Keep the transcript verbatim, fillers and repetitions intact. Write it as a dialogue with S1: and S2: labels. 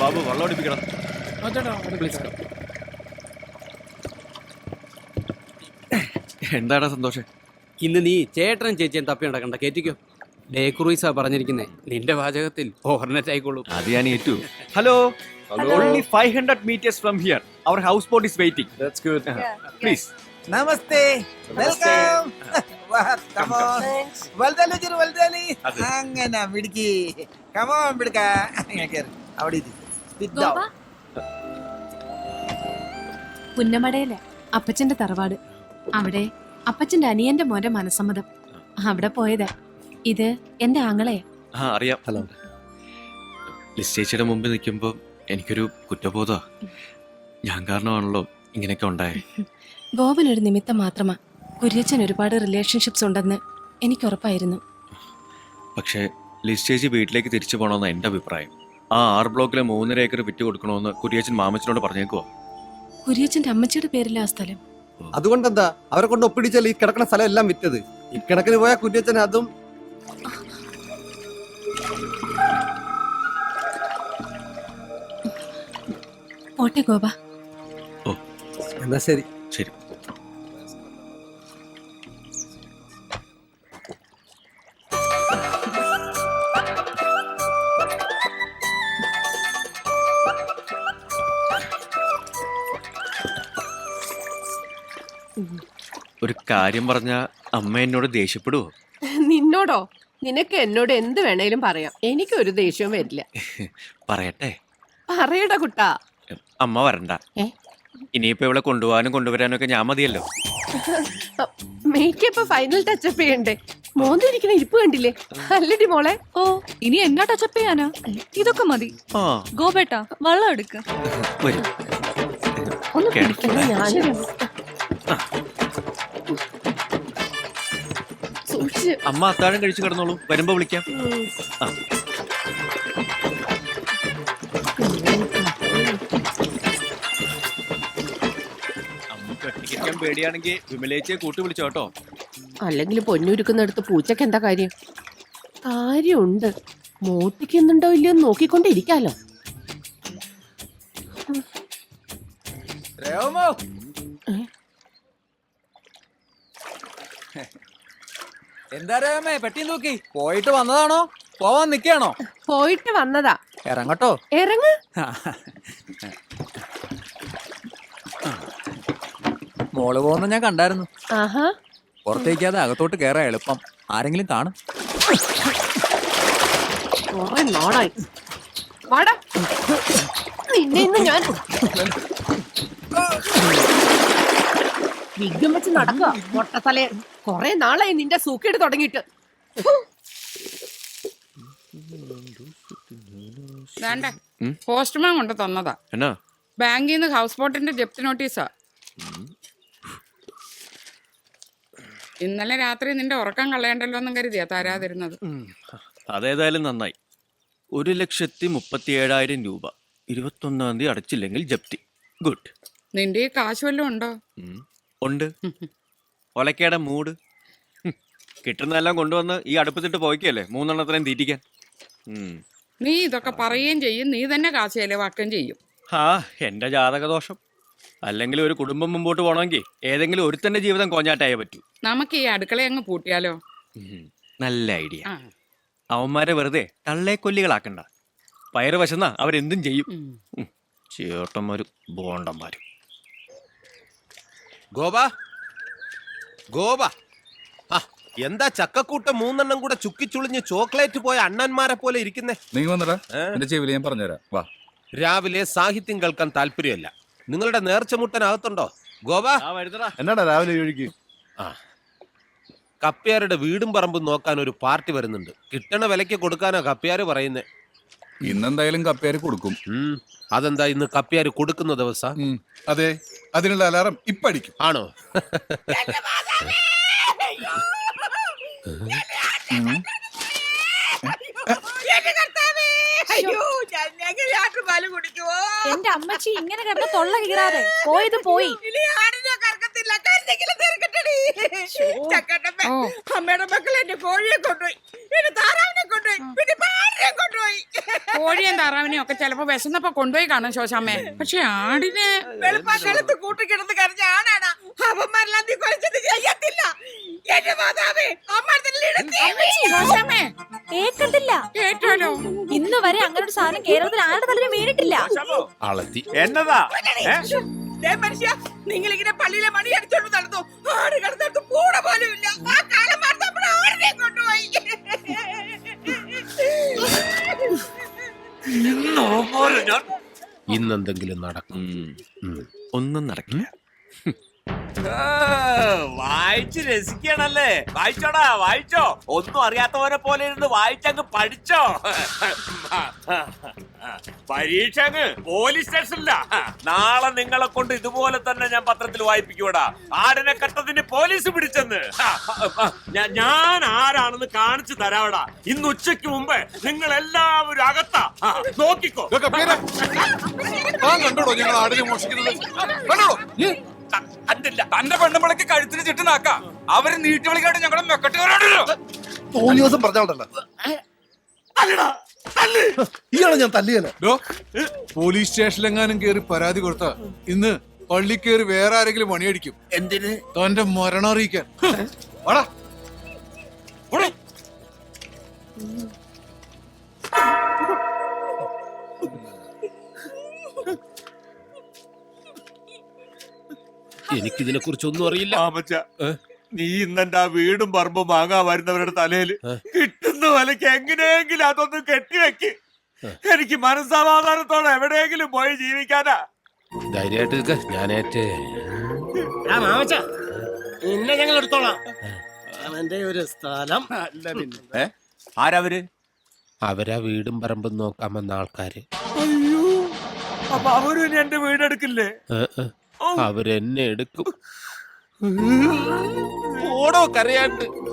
S1: ബാബു വെള്ളം അടിപ്പിക്കണം. എന്താടാ സന്തോഷം?
S2: ഇന്ന് നീ ചേട്ടനും ചേച്ചിയും തപ്പി നടക്കണ്ട, കേറ്റിക്കോ. ഡേ ക്രൂയിസാ പറഞ്ഞിരിക്കുന്നേ, നിന്റെ വാചകത്തിൽ ഓവർനെറ്റ് ആയിക്കോളൂ.
S1: അത് ഞാൻ ഏറ്റു. Hello, only five hundred meters from here. Our houseboat is waiting. That's good. Please.
S3: നമസ്തേ, വെൽക്കം. Come on. വൽദലി ജിരു വൽദലി. അങ്ങനെ മിടുക്കി. Come on മിടുക്ക. അവിടെ ഇരി. Sit down.
S4: പുന്നമടയിലെ അപ്പച്ചന്റെ തറവാട്. അവിടെ അപ്പച്ചന്റെ അനിയന്റെ മോന്റെ മനസ്സമ്മതം. അവിടെ പോയതാ. ഇത് എന്റെ ആങ്ങളെ.
S1: ആ അറിയാം. ഹലോ. ലിസ്റ്റേച്ചിയുടെ മുമ്പിൽ നിൽക്കുമ്പോൾ എനിക്കൊരു കുറ്റബോധ. ഞാൻ കാരണമാണല്ലോ ഇങ്ങനെയൊക്കെ ഉണ്ടായേ.
S4: ഗോപൻ ഒരു നിമിത്തം മാത്രമാ. കുര്യച്ചൻ ഒരുപാട് റിലേഷൻഷിപ്സ് ഉണ്ടെന്ന് എനിക്ക് ഉറപ്പായിരുന്നു.
S1: പക്ഷേ ലിസ്റ്റേജി വീട്ടിലേക്ക് തിരിച്ചു പോകണമെന്ന് എൻ്റെ അഭിപ്രായം. ആ ആറ് ബ്ലോക്കിലെ മൂന്നര ഏക്കർ വിറ്റ് കൊടുക്കണമെന്ന് കുര്യച്ചൻ മാമച്ചനോട് പറഞ്ഞേക്കുവോ?
S4: കുര്യച്ചന്റെ അമ്മച്ചിയുടെ പേരില്ല ആ സ്ഥലം.
S5: അതുകൊണ്ടെന്താ അവരെ കൊണ്ട് ഒപ്പിടിച്ചാൽ ഈ കിടക്കുന്ന സ്ഥലം എല്ലാം വിറ്റത്. ഇക്കണക്കിന് പോയ കുര്യച്ചൻ അതും.
S4: പോട്ടെ ഗോപ.
S1: ഓ
S5: എന്നാ ശരി.
S1: ശരി. ഒരു കാര്യം പറഞ്ഞ അമ്മ എന്നോട് ദേഷ്യപ്പെടുവോ?
S6: നിന്നോടോ? നിനക്ക് എന്നോട് എന്ത് വേണേലും പറയാം, എനിക്കൊരു ദേഷ്യവും വരില്ല.
S1: പറയട്ടെ?
S6: പറയടാ കുട്ടാ.
S1: അമ്മ വരണ്ട. ഇനിയിപ്പോ ഇവിടെ കൊണ്ടുപോകാനും കൊണ്ടുവരാനും ഒക്കെ ഞാൻ മതിയല്ലോ.
S6: മേക്കപ്പ് ഫൈനൽ ടച്ചപ്പ് ചെയ്യണ്ടേ? മോന്തിരിക്കുന്ന ഇരിപ്പ് കണ്ടില്ലേ? അല്ലടി മോളെ.
S4: ഓ, ഇനി എന്നാ ടച്ചപ്പ് ചെയ്യാനാ? ഇതൊക്കെ മതി. ഗോപേട്ടാ വെള്ളം എടുക്ക.
S6: ഒന്ന് പിടിക്കണ. ഞാൻ
S1: അമ്മ അത്താഴം കഴിച്ചു കിടന്നോളൂ, വരുമ്പോ വിളിക്കാം. അമ്മക്ക് ഒറ്റയ്ക്കാൻ പേടിയാണെങ്കിൽ വിമലേച്ചിയെ കൂട്ടി വിളിച്ചോട്ടോ.
S6: അല്ലെങ്കിൽ പൊന്നുരുക്കുന്നിടത്ത് പൂച്ചക്ക് എന്താ കാര്യം? കാര്യമുണ്ട്. മോട്ടിക്കുന്നുണ്ടോ ഇല്ലയോ നോക്കിക്കൊണ്ടിരിക്കാലോ.
S3: എന്താ രേമേ പെട്ടി നോക്കി? പോയിട്ട് വന്നതാണോ പോവാൻ നിക്കാണോ?
S6: പോയിട്ട് വന്നതാ.
S3: ഇറങ്ങട്ടോ.
S6: ഇറങ്ങ്.
S3: മോള് പോകുന്ന ഞാൻ കണ്ടായിരുന്നു.
S6: ആഹാ.
S3: പുറത്തേക്കാതെ അകത്തോട്ട് കേറാ എളുപ്പം. ആരെങ്കിലും കാണും.
S6: നാളായി വാടാ. നിന്നെ ഇന്ന് ഞാൻ വിഗ്ഗം വെച്ച് നടക്കുക മൊട്ടത്തലേ. കൊറേ നാളായി നിന്റെ സൂക്കേട് തുടങ്ങിയിട്ട്.
S7: വേണ്ടേ, പോസ്റ്റ്മാൻ കൊണ്ട് തന്നതാ.
S1: എന്നാ?
S7: ബാങ്കിൽ നിന്ന് ഹൗസ് ബോട്ടിന്റെ ജപ്തി നോട്ടീസാ. ഇന്നലെ രാത്രി നിന്റെ ഉറക്കം കളയണ്ടല്ലോ എന്നും കരുതിയാ തരാതിരുന്നത്.
S1: അതേതായാലും നന്നായി. ഒരു ലക്ഷത്തി മുപ്പത്തി ഏഴായിരം രൂപ ഇരുപത്തൊന്നാം തീയതി അടച്ചില്ലെങ്കിൽ ജപ്തി. ഗുഡ്.
S7: നിന്റെ ഈ കാശ് വല്ലതും ഉണ്ടോ?
S1: ഉണ്ട്. ഒലക്കേടെ മൂട്. കിട്ടുന്നതെല്ലാം കൊണ്ടുവന്ന് ഈ അടുപ്പത്തിട്ട് പോയിക്കല്ലേ മൂന്നെണ്ണത്തിനും തീറ്റിക്കാൻ.
S7: നീ ഇതൊക്കെ പറയുകയും ചെയ്യും, നീ തന്നെ കാശ് ചെലവാക്കുകയും ചെയ്യും.
S1: ആ എന്റെ ജാതകദോഷം. അല്ലെങ്കിൽ ഒരു കുടുംബം മുമ്പോട്ട് പോകണമെങ്കിൽ ഏതെങ്കിലും ഒരുത്തന്റെ ജീവിതം കോഞ്ഞാട്ടായേ പറ്റൂ.
S7: നമുക്ക് ഈ അടുക്കള അങ്ങ് പൂട്ടിയാലോ?
S1: നല്ല ഐഡിയ. അവന്മാരെ വെറുതെ തള്ളേക്കൊല്ലികളാക്കണ്ട. പയറ് വശന്നാ അവരെന്തും ചെയ്യും. ചേട്ടന്മാരും ബോണ്ടന്മാരും.
S8: ഗോപ ഗോപ എന്താ ചക്കക്കൂട്ടം മൂന്നെണ്ണം കൂടെ ചുക്കിച്ചുളിഞ്ഞ് ചോക്ലേറ്റ് പോയ അണ്ണന്മാരെ പോലെ ഇരിക്കുന്നേ?
S9: നീ വന്നടാ, എന്റെ ചെവിയിൽ ഞാൻ പറഞ്ഞുതരാം. വാ.
S8: രാവിലെ സാഹിത്യം കേൾക്കാൻ താല്പര്യമല്ല. നിങ്ങളുടെ നേർച്ചമുട്ടനകത്തുണ്ടോ ഗോപ?
S5: എന്നാടാ രാവിലെ ഒഴുകി?
S8: ആ, കപ്പ്യാരുടെ വീടും പറമ്പും നോക്കാൻ ഒരു പാർട്ടി വരുന്നുണ്ട്. കിട്ടണ വിലയ്ക്ക് കൊടുക്കാനാ കപ്പ്യാര് പറയുന്നേ.
S9: ഇന്നെന്തായാലും കപ്പ്യാര് കൊടുക്കും.
S8: അതെന്താ ഇന്ന് കപ്പ്യാര് കൊടുക്കുന്ന ദിവസം?
S9: അതെ, അതിനുള്ള അലാറം ഇപ്പൊ അടിക്കും.
S8: ആണോ?
S4: എന്റെ അമ്മച്ചി ഇങ്ങനെ കിടന്ന് തൊള്ള കീറാതെ പോയത് പോയി.
S7: ഓ
S10: അമ്മയുടെ മക്കൾ എന്റെ കോഴിയെ കൊണ്ടുപോയി, എന്റെ താറാവിനെ കൊണ്ടുപോയി, പിന്നെ പാടിനെ കൊണ്ടുപോയി.
S7: കോഴിയും താറാവിനെയും ഒക്കെ ചിലപ്പോ വിശന്നപ്പോ കൊണ്ടുപോയി കാണും ശോശാമ്മേ. പക്ഷെ ആടിനെ
S10: വെളുപ്പാക്കാലത്ത് കൂട്ടിക്കിടന്ന് കരഞ്ഞ ആണാണ് അവന്മാരെല്ലാം നീ കൊലച്ചത് ചെയ്യത്തില്ല. എന്റെ മാതാവേ,
S7: ശോശാമ്മേ
S4: കേക്കത്തില്ല.
S7: കേട്ടാലോ?
S4: ഇന്ന് വരെ അങ്ങനെ ഒരു സാധനം കേരളത്തിൽ ആരുടെ തലയിൽ വീണിട്ടില്ല.
S8: എന്നതാ
S10: മനുഷ്യ, നിങ്ങളിങ്ങനെ പള്ളിയിലെ മണി അടിച്ചോണ്ട് നടന്നു, ആട് കിടന്നിടത്ത് കൂടെ പോലും ഇല്ല. ആ കാലം മറന്നപ്പോൾ ആടിനെ കൊണ്ടുപോയി.
S8: ഇന്നെന്തെങ്കിലും നടക്കും.
S1: ഉം. ഒന്നും നടക്കില്ല.
S11: വായിച്ച് രസിക്കണല്ലേ? വായിച്ചോടാ, വായിച്ചോ. ഒന്നും അറിയാത്തവനെ പോലെ ഇരുന്ന് വായിച്ചങ്ങ് പഠിച്ചോ. പരീക്ഷ അങ്ങ് പോലീസ് സ്റ്റേഷനില്ല. നാളെ നിങ്ങളെ കൊണ്ട് ഇതുപോലെ തന്നെ ഞാൻ പത്രത്തിൽ വായിപ്പിക്കൂടാ. ആടിനെ കട്ടതിന് പോലീസ് പിടിച്ചെന്ന്. ഞാൻ ആരാണെന്ന് കാണിച്ചു തരാവടാ. ഇന്ന് ഉച്ചയ്ക്ക് മുമ്പ് നിങ്ങൾ എല്ലാവരും അകത്താ. നോക്കിക്കോ.
S9: കണ്ടോടോ ഞങ്ങൾ ആടിനെ മോഷിക്കുന്നത്? കണ്ടോടോ തന്റെ പെണ്ണുമ്പളക്ക് കഴുത്തിന് ചുറ്റുനാക്ക അവര് നീട്ടി വിളിക്കാണ്ട് ഞങ്ങളുടെ മെക്കട്ടുകാരോടല്ലോ.
S5: തോന്നി ദിവസം പറഞ്ഞോണ്ടല്ലോ ഇയാളെ ഞാൻ തല്ലിയല്ലോ.
S9: പോലീസ് സ്റ്റേഷനിലെങ്ങാനും കേറി പരാതി കൊടുത്ത ഇന്ന് പള്ളി കയറി വേറെ ആരെങ്കിലും പണിയടിക്കും.
S11: എന്തിന്?
S9: തന്റെ മരണം അറിയിക്കാൻ. വാടാ. ഓടി.
S8: എനിക്കിതിനെ കുറിച്ചൊന്നും അറിയില്ല.
S11: നീ ഇന്നെന്റെ ആ വീടും പറമ്പും വാങ്ങാൻ വരുന്നവരുടെ തലയില് കിട്ടുന്ന വിലക്ക് എങ്ങനെയെങ്കിലും അതൊന്ന് കെട്ടിവെക്ക്. എനിക്ക് മനസ്സമാധാനത്തോടെ എവിടെയെങ്കിലും പോയി ജീവിക്കാനാ.
S8: ധൈര്യമായിട്ട് ഞാനേറ്റേ
S11: നിന്നെ ഞങ്ങൾ എടുത്തോളാം. അവന്റെ ഒരു സ്ഥലം ആരവര്? അവരാ വീടും പറമ്പും നോക്കാൻ വന്ന ആൾക്കാര്. അയ്യോ, അപ്പൊ അവരും എന്റെ വീടെടുക്കില്ലേ? അവരെന്നെ എടുക്കും.
S8: ഓടോ കരയാണ്ട്.